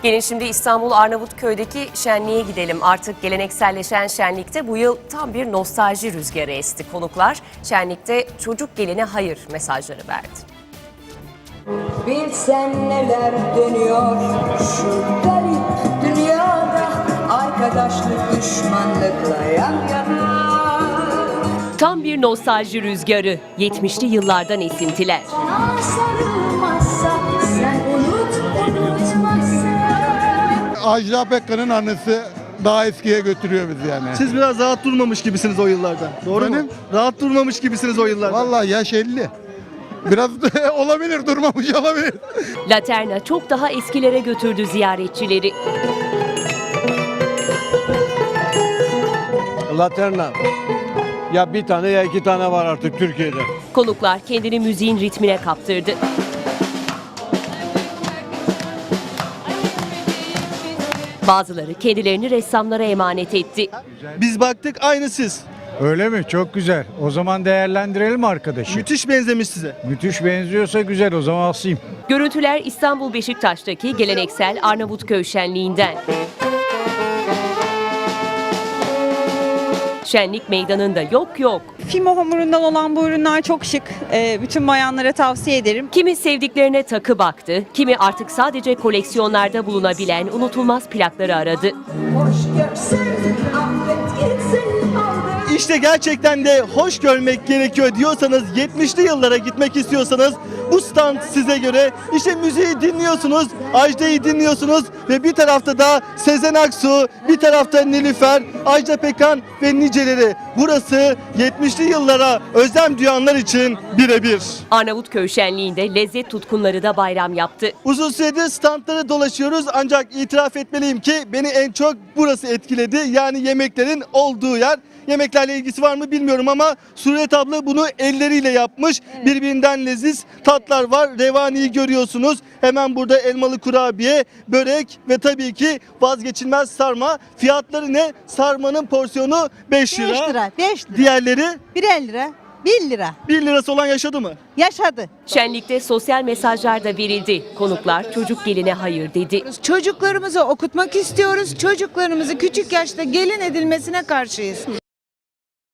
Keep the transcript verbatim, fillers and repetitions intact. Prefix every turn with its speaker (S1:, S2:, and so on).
S1: Gelin şimdi İstanbul Arnavutköy'deki şenliğe gidelim. Artık gelenekselleşen şenlikte bu yıl tam bir nostalji rüzgarı esti. Konuklar şenlikte çocuk geline hayır mesajları verdi.
S2: Bilsen neler dönüyor şu garip dünyada, arkadaşlık düşmanlıkla yan yana.
S1: Tam bir nostalji rüzgarı, yetmişli yıllardan esintiler.
S2: Sana sarılmazsa sen unut unutmazsa.
S3: Ajda Pekkan'ın annesi daha eskiye götürüyor bizi yani.
S4: Siz biraz rahat durmamış gibisiniz o yıllarda. Doğru
S3: Efendim?
S4: mu? Rahat durmamış gibisiniz o yıllarda.
S3: Vallahi yaş elli. Biraz olabilir, durmamış olabilir.
S1: Laterna çok daha eskilere götürdü ziyaretçileri.
S5: Laterna. Ya bir tane ya iki tane var artık Türkiye'de.
S1: Konuklar kendini müziğin ritmine kaptırdı. Bazıları kendilerini ressamlara emanet etti.
S4: Biz baktık aynı siz.
S6: Öyle mi? Çok güzel. O zaman değerlendirelim arkadaşı.
S4: Müthiş benzemiş size.
S6: Müthiş benziyorsa güzel. O zaman asayım.
S1: Görüntüler İstanbul Beşiktaş'taki geleneksel Arnavutköy şenliğinden. Şenlik meydanında yok yok.
S7: Fimo hamurundan olan bu ürünler çok şık. Ee, bütün bayanlara tavsiye ederim.
S1: Kimi sevdiklerine takı baktı, kimi artık sadece koleksiyonlarda bulunabilen unutulmaz plakları aradı.
S2: Hoş görsen affet gitsin aldı.
S4: İşte gerçekten de hoş görmek gerekiyor diyorsanız, yetmişli yıllara gitmek istiyorsanız bu stand size göre. İşte müziği dinliyorsunuz, Ajda'yı dinliyorsunuz ve bir tarafta da Sezen Aksu, bir tarafta Nilüfer, Ajda Pekkan ve niceleri. Burası yetmişli yıllara özlem duyanlar için birebir.
S1: Arnavutköy şenliğinde lezzet tutkunları da bayram yaptı.
S4: Uzun süredir standları dolaşıyoruz ancak itiraf etmeliyim ki beni en çok burası etkiledi. Yani yemeklerin olduğu yer. Yemeklerle ilgisi var mı bilmiyorum ama Suret abla bunu elleriyle yapmış. Birbirinden leziz tatlar var. Revani'yi görüyorsunuz. Hemen burada elmalı kurabiye, börek ve tabii ki vazgeçilmez sarma. Fiyatları ne? Sarmanın porsiyonu beş lira.
S8: beş lira, beş lira.
S4: Diğerleri
S8: bir elli lira, bir lira.
S4: bir lirası olan yaşadı mı?
S8: Yaşadı.
S1: Şenlikte sosyal mesajlar da verildi. Konuklar çocuk geline hayır dedi.
S9: Çocuklarımızı okutmak istiyoruz. Çocuklarımızı küçük yaşta gelin edilmesine karşıyız.